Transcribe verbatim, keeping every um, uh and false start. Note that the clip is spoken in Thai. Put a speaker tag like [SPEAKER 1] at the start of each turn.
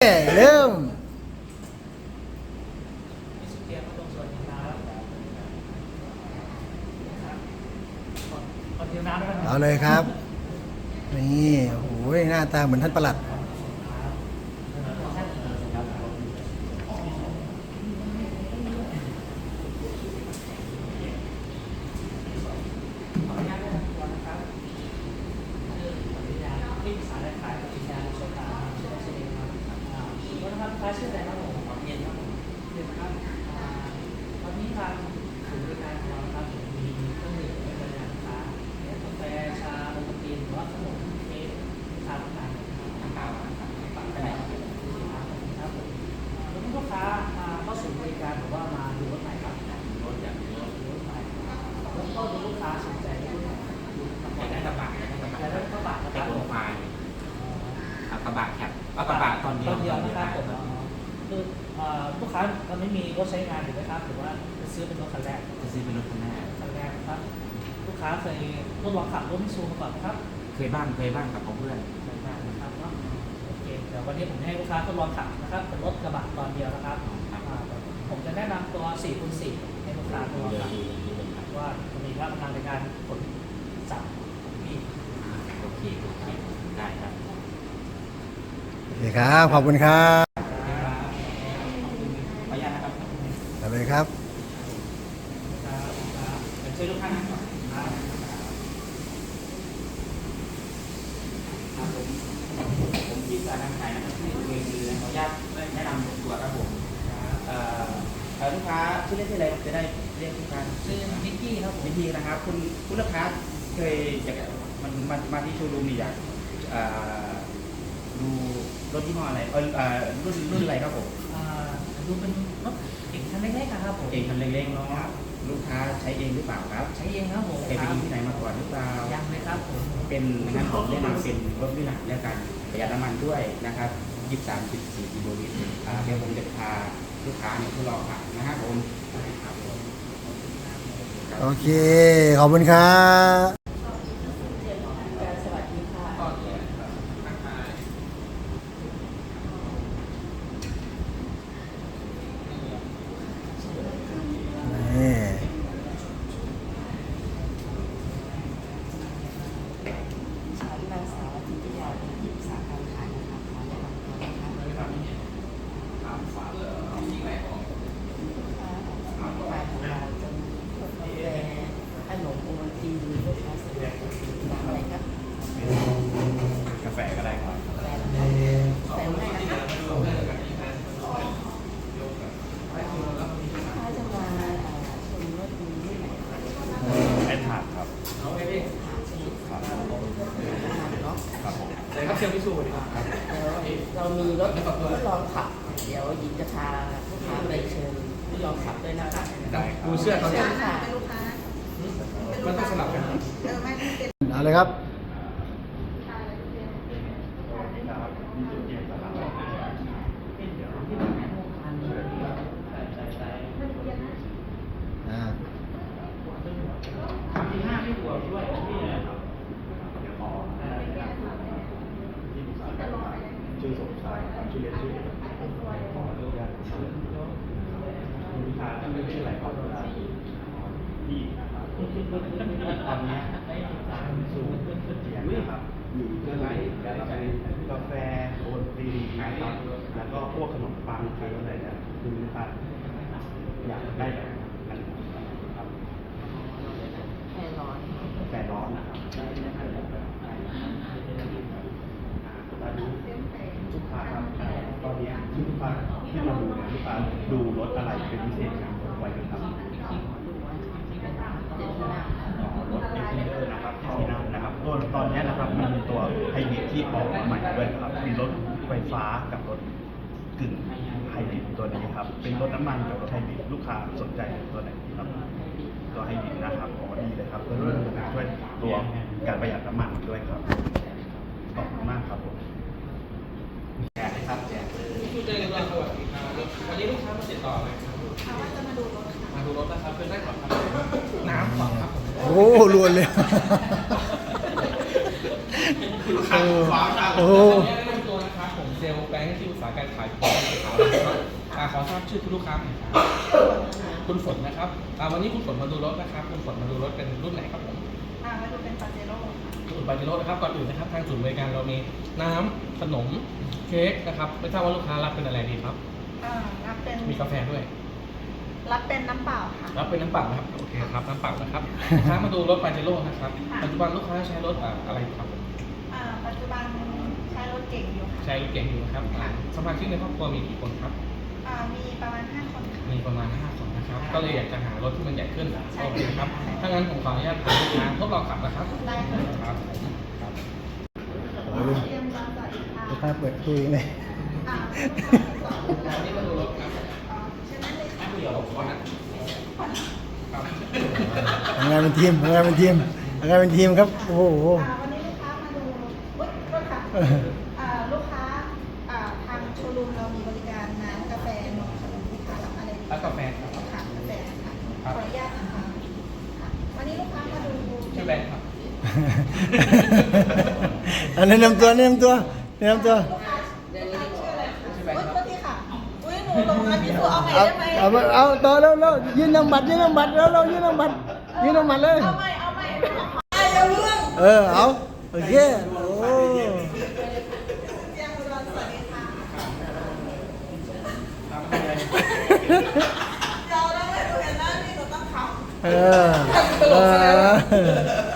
[SPEAKER 1] เริ่มเอาเลยครับนี่โอ้โหหน้าตาเหมือนท่านประหลัด
[SPEAKER 2] ชื่ออะไรครับผมเย็นครับผมเย็นครับตอนนี้ทางศูนย์บริการของเราครับมีเครื่องดื่มเป็นอาหารค้ากาแฟชาโอวัลตินหรือว่าขนมเค้กชาต่างๆต่างๆต่างๆได้ครับผมแล้วลูกค้ามาเข้าศูนย์บริการหรือว่ามาดูรถไหนครับรถอย่างรถรถไหนแล้วก็ดูลูกค้าสนใจรุ่นไหนดูได้กระบะได้กระบะได้กระบะนะครับผมกระบะแคปกระบะตอนเดียวนะครับผมคือลูกค้าเราไม่มีรถใช้งานถูกไหมครับหรือว่าจะซื้อเป็นรถคันแรกจะซื้อเป็นรถคันแรกคันแรกครับลูกค้าเคยทดลองขับรถมิตซูมาก่อนครับเคยบ้างเคยบ้างกับเพื่อนเคยบ้างนะครับเนาะโอเคเดี๋ยววันนี้ผมให้ลูกค้าทดลองขับนะครับเป็นรถกระบะตอนเดียวนะครับผมจะแนะนำตัว สี่คูณสี่ ให้ลูกค้าทดลองขับว่ามีพลังในการขนสัมมีโอเคได้ครับ
[SPEAKER 1] โอเคครับขอบคุณครับ
[SPEAKER 2] ขออนุญาตนะครับ
[SPEAKER 1] เอาเลยครับ
[SPEAKER 2] ช่วยลูกค้านั่งก่อนครับผมผมที่สารขายนะครับที่เวทีขออนุญาตแนะนำตัวครับผมลูกค้าชื่อเล่นชื่ออะไรจะได้เรียกลูกค้าชื่อนิกกี้ครับผมนิกกี้นะครับคุณคุณลูกค้าเคยอยากมันมามาที่โชว์รูมนี่อยากดูรถยี่ห้ออะไรเออรุ่นรุ่นอะไรครับผมดูเป็นรถเก่งคันเล็กๆนะครับผมเก่งคันเล็กๆเนาะลูกค้าใช้เองหรือเปล่าครับใช้เองครับผมเคยไปดูที่ไหนมาก่อนหรือเปล่ายังเลยครับผมเป็นงั้นผมแนะนำเป็นรถวิลาแล้วกันประหยัดน้ำมันด้วยนะครับยี่สิบสามจุดสี่กิโลลิตรเดี๋ยวผมจะพาลูกค้าเนี่ยทดลองขับนะครับผม
[SPEAKER 1] โอเคขอบคุณครับ
[SPEAKER 3] กาแฟก็ได้ครับไอ้ถาดครับครับครับผม
[SPEAKER 2] เลยครับเชียวพิสูจน์ดีครับ
[SPEAKER 4] เรามีรถทดลองขับเดี๋ยวหญิงจะพาลูกค้าไปเชิญทดลองขับด้วยนะคะ
[SPEAKER 2] ดูเสื้อเขาเนี่ย
[SPEAKER 4] มัน
[SPEAKER 2] ต้องสลับกัน
[SPEAKER 1] เอาเลยครับ
[SPEAKER 3] ชื่อสมชายครับชื่อเล่นชื่อขออนุญาตชื่อคุณพิธาชื่อชื่ออะไรครับพี่นะครับตอนนี้สูงเจียนนะครับอยู่เพื่ออะไรกาแฟโอนตีนะครับแล้วก็พวกขนมปังเค้กอะไรเนี่ยคุณพิธาอยากได้แบบอันครับ
[SPEAKER 4] แค่ร้อน
[SPEAKER 3] แฟร้อนนะครับลูกค้าครับตอนนี้ที่ลูกค้าที่มาดูเนี่ยลูกค้าดูรถอะไรเป็นพิเศษครับไว้กันครับรถเอ็กซ์เพรสนะครับที่นั่งนะครับตัวตอนนี้นะครับมันมีตัวไฮบริดที่ออกมาใหม่ด้วยครับมีรถไฟฟ้ากับรถกึ่งไฮบริดตัวนี้ครับเป็นรถน้ำมันกับรถไฮบริดลูกค้าสนใจตัวไหนครับตัวไฮบริดนะครับอ๋อดีเลยครับเพื่อช่วยตัวการประหยัดน้ำมันด้วยครับขอบคุณมากครับผมแจกเลยครับแจกเลย
[SPEAKER 2] คุณเจอกันสวัสดีครับวันนี้ลูกค้ามาติดต่อไหมครับว่าจะมาดูรถมาดูรถนะครับเป็นได้ก่อนครับน้ำก่อนครับ
[SPEAKER 1] โอ้รวนเลย
[SPEAKER 2] ลูกค้าขวางทางโอ้ตัวนะครับผมเซลล์แบงค์ที่อุตสาหการค้าขายของนะครับอ่าขอทราบชื่อคุณลูกค้าหน่อยครับคุณฝนนะครับอ่าวันนี้คุณฝนมาดูรถนะครับคุณฝนมาดูรถเป็นรุ่นไหนครับผม
[SPEAKER 5] อ่ามาดูเป็นปาเจโร่ค่ะ
[SPEAKER 2] ศูนย์ปาเจโร่นะครับก่อนอื่นนะครับทางศูนย์บริการเรามีน้ำขนมเค้กนะครับไม่ทราบว่าลูกค้ารับเป็นอะไรดีครับ
[SPEAKER 5] อ่ารับเป็น
[SPEAKER 2] มีกาแฟด้วย
[SPEAKER 5] รับเป็นน้ำเปล่าค่ะ
[SPEAKER 2] รับเป็นน้ำเปล่านะครับโอเคครับน้ำเปล่านะครับลูกค้ามาดูรถปาเจโร่นะครับปัจจุบันลูกค้าใช้รถอ่าอะไรครับ
[SPEAKER 5] อ่าปัจจุบันใช้รถเก่งอยู่ค่ะ
[SPEAKER 2] ใช้รถเก๋งอยู่นะครับอ่าสมาชิกในครอบครัวมีกี่คนครับ
[SPEAKER 5] อ่ามีประมาณห้าคนค่ะ
[SPEAKER 2] มีประมาณห้าคนนะครับ ก็เลยอยากจะหารถที่มันใหญ่ขึ้นโอเคครับถ้างั้นผมขออนุญาตพาลูกค้าทดลองขับนะครับ
[SPEAKER 5] ได้ค่ะ
[SPEAKER 2] ครับผมครับ
[SPEAKER 1] โอ้ย
[SPEAKER 5] เตรียมร้านต่ออีกค่ะ
[SPEAKER 1] ลูกค้าเปิดคุยเลย
[SPEAKER 5] อ่า
[SPEAKER 2] วันนี้มาดูรถครับ
[SPEAKER 5] อ่าเช่นนั้นเลยค่ะ
[SPEAKER 2] เดี๋ยวขอนะ
[SPEAKER 1] ทำงานเป็นทีมทำงานเป็นทีมทำงานเป็นทีมครับ โอ้โห
[SPEAKER 5] อ่าวันนี้ลูกค้ามาดูอุ๊ยรถค่ะ
[SPEAKER 1] เออ
[SPEAKER 5] อ่าลูกค้าอ่าทางโชว์รูมเรามีบริการน้ำกาแฟนมขนมลูกค้ารับอะไรดี
[SPEAKER 2] แล้วกาแฟครับ
[SPEAKER 5] ค่ะกาแฟค่ะ
[SPEAKER 2] ครับ
[SPEAKER 5] ขออนุญาตนะคะค่ะวันนี้ลูกค้ามาดู
[SPEAKER 2] ชื่อแบงค์ครับ
[SPEAKER 1] อันแนะนำตัวแนะนำตัวแนะนำตัว
[SPEAKER 5] ลูกค้าลูกค้าชื่ออะไรคะอุ๊ยโทษทีค่ะ อุ้ยหนูลงมาพี่สุเอาใหม่
[SPEAKER 1] เอา
[SPEAKER 5] ได้ไหม
[SPEAKER 1] เอาเอาเอาต่อแล้วแล้วยืนนำบัตรยืนนำบัตรแล้วเรายืนนำบัตรยืนนำบัตรเลย
[SPEAKER 5] เอาใหม่เอาใหม่ไอ้เดี๋ยวเรื่อง
[SPEAKER 1] เออ เอา โอเค โอ้
[SPEAKER 5] เจียงอุดรสวัสดีค่ะเดี๋ยวเราไม่ดูเห็นหน้าพี่หนูต้องขำ
[SPEAKER 1] เออ เออ